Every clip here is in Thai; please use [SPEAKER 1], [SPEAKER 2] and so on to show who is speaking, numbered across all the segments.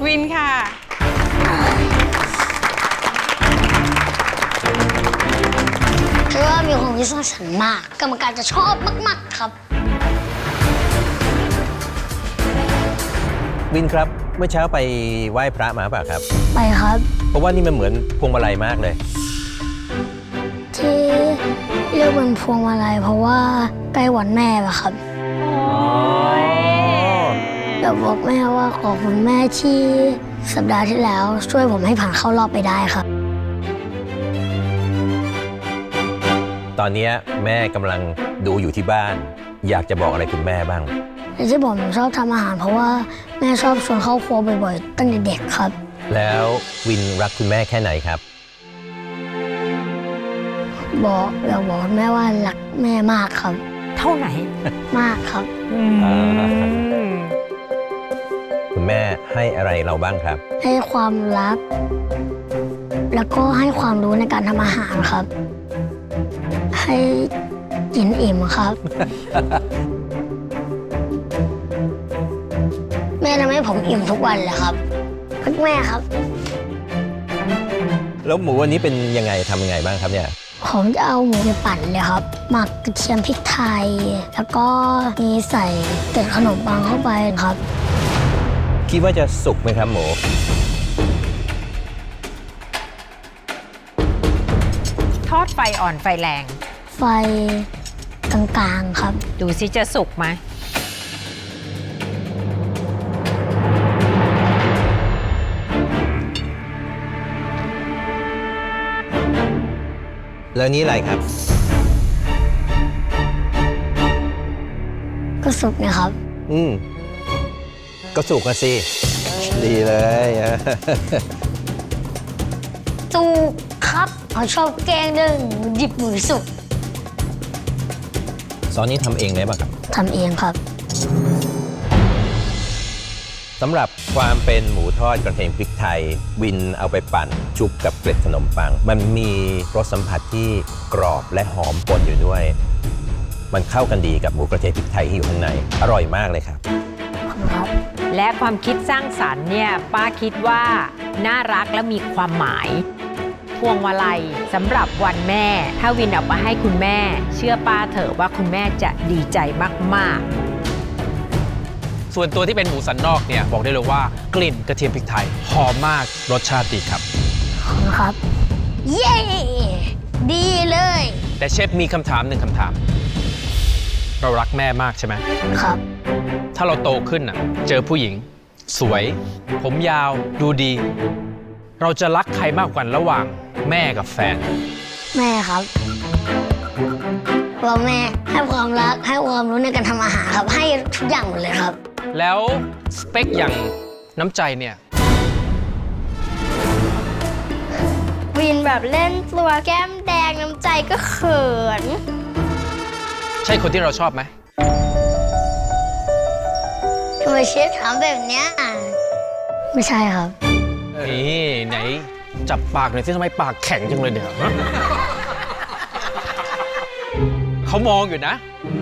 [SPEAKER 1] วินค่ะ
[SPEAKER 2] คิดว่ามีความคิดสร้างสรรค์มากกรรมการจะชอบมากๆครับ
[SPEAKER 3] วินครับเมื่อเช้าไปไหว้พระมาเปล่าครับ
[SPEAKER 2] ไปครับ
[SPEAKER 3] เพราะว่านี่มันเหมือนพวงมาลัยมากเลย
[SPEAKER 2] ที่เรียกเป็นพวงมาลัยเพราะว่าใกล้วันแม่อะครับอยากบอกแม่ว่าขอบคุณแม่ที่สัปดาห์ที่แล้วช่วยผมให้ผ่านเข้ารอบไปได้ครับ
[SPEAKER 3] ตอนนี้แม่กำลังดูอยู่ที่บ้านอยากจะบอกอะไรคุณแม่บ้าง
[SPEAKER 2] ที่ผมชอบทำอาหารเพราะว่าแม่ชอบชวนเข้าครัวบ่อยๆตั้งแต่เด็กครับ
[SPEAKER 3] แล้ววินรักคุณแม่แค่ไหนครับ
[SPEAKER 2] อยากบอกแม่ว่ารักแม่มากครับ
[SPEAKER 1] เท่าไหน
[SPEAKER 2] มากครับ
[SPEAKER 3] คุณแม่ให้อะไรเราบ้างครับ
[SPEAKER 2] ให้ความรักแล้วก็ให้ความรู้ในการทำอาหารครับให้กินอิ่มครับ แม่ทำให้ผมอิ่มทุกวันเลยครับรักแม่ครับ
[SPEAKER 3] แล้วหมูวันนี้เป็นยังไงทำยังไงบ้างครับเนี่ย
[SPEAKER 2] ผมจะเอาหมูไปปั่นเลยครับหมักกระเทียมพริกไทยแล้วก็มีใส่เกล็ดขนมปังเข้าไปครับ
[SPEAKER 3] คิดว่าจะสุกไหมครับหมู
[SPEAKER 1] ทอดไฟอ่อนไฟแรง
[SPEAKER 2] ไฟกลางๆครับ
[SPEAKER 1] ดูสิจะสุกไหม
[SPEAKER 3] แล้วนี้อะไรครับ
[SPEAKER 2] ก็สุกนะครับ
[SPEAKER 3] ก็สุกกันสิดีเลย
[SPEAKER 2] สุกครับเขาชอบแกงเรื่องดิบหมูสุก
[SPEAKER 3] ซอสนี้ทำเองได้ป่ะครับ
[SPEAKER 2] ทำเองครับ
[SPEAKER 3] สำหรับความเป็นหมูทอดกระเทียมพริกไทยวินเอาไปปั่นชุบกับเกล็ดขนมปังมันมีรสสัมผัสที่กรอบและหอมปนอยู่ด้วยมันเข้ากันดีกับหมูกระเทียมพริกไทยที่อยู่ข้างในอร่อยมากเลยครับ
[SPEAKER 1] และความคิดสร้างสรรค์เนี่ยป้าคิดว่าน่ารักและมีความหมายพวงมาลัยสำหรับวันแม่ถ้าวินเอาไปให้คุณแม่เชื่อป้าเถอะว่าคุณแม่จะดีใจมากๆ
[SPEAKER 4] ส่วนตัวที่เป็นหมูสันนอกเนี่ยบอกได้เลยว่ากลิ่นกระเทียมพริกไทยหอมมากรสชาติดีครับ
[SPEAKER 2] ขอบคุณครับเย้ดีเลย
[SPEAKER 4] แต่เชฟมีคำถามหนึ่งคำถามเรารักแม่มากใช่ไหม
[SPEAKER 2] ครับ
[SPEAKER 4] ถ้าเราโตขึ้นเจอผู้หญิงสวยผมยาวดูดีเราจะรักใครมากกว่าระหว่างแม่กับแฟน
[SPEAKER 2] แม่ครับเพราะแม่ให้ความรักให้ความรู้ในการทำอาหารครับให้ทุกอย่างหมดเลยครับ
[SPEAKER 4] แล้วสเปคอย่างน้ำใจเนี่ย
[SPEAKER 2] วินแบบเล่นตัวแก้มแดงน้ำใจก็เขิน
[SPEAKER 4] ใช่คนที่เราชอบไหม
[SPEAKER 2] ทำไมเชฟถามแบบเนี้ยไม่ใช่ครับ
[SPEAKER 4] นี่ไหนจับปากหน่อยสิทำไมปากแข็งจังเลยเนี่ยเขามองอยู่นะ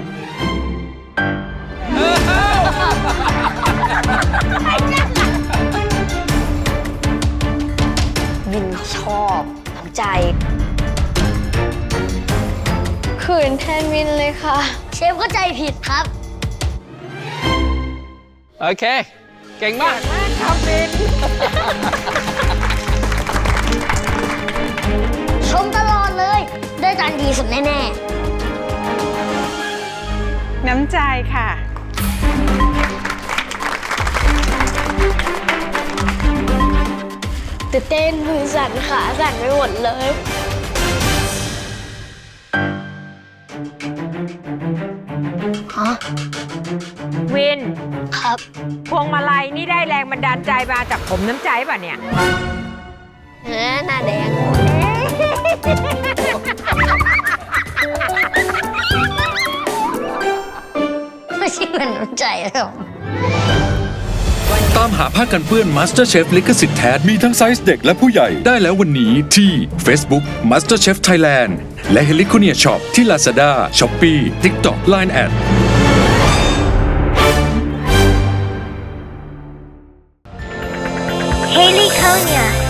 [SPEAKER 2] วินชอบน้ำใจขืนแทนวินเลยค่ะเชฟก็ใจผิดครับ
[SPEAKER 4] โอเคเก่งมาก
[SPEAKER 1] ครับวิน
[SPEAKER 2] ชมตลอดเลยได้จานดีสุดแน่
[SPEAKER 1] ๆน้ำใจค่ะ
[SPEAKER 2] ตื่นเต้นมือสั่นขาสั่นไปหมดเลยฮะ
[SPEAKER 1] วิน
[SPEAKER 2] ครับ
[SPEAKER 1] พวงมาลัยนี่ได้แรงบันดาลใจมาจากผมน้ำใจป่ะเนี่ย
[SPEAKER 2] หน้าแดงไม่ใช่เหมือนน้ำใจหรอก
[SPEAKER 5] ตามหาผ้ากันเปื้อน MasterChef ลิขสิทธิ์แท้มีทั้งไซส์เด็กและผู้ใหญ่ได้แล้ววันนี้ที่ Facebook MasterChef Thailand และ Heliconia Shop ที่ Lazada, Shopee, TikTok, Line@
[SPEAKER 6] Haley Konya.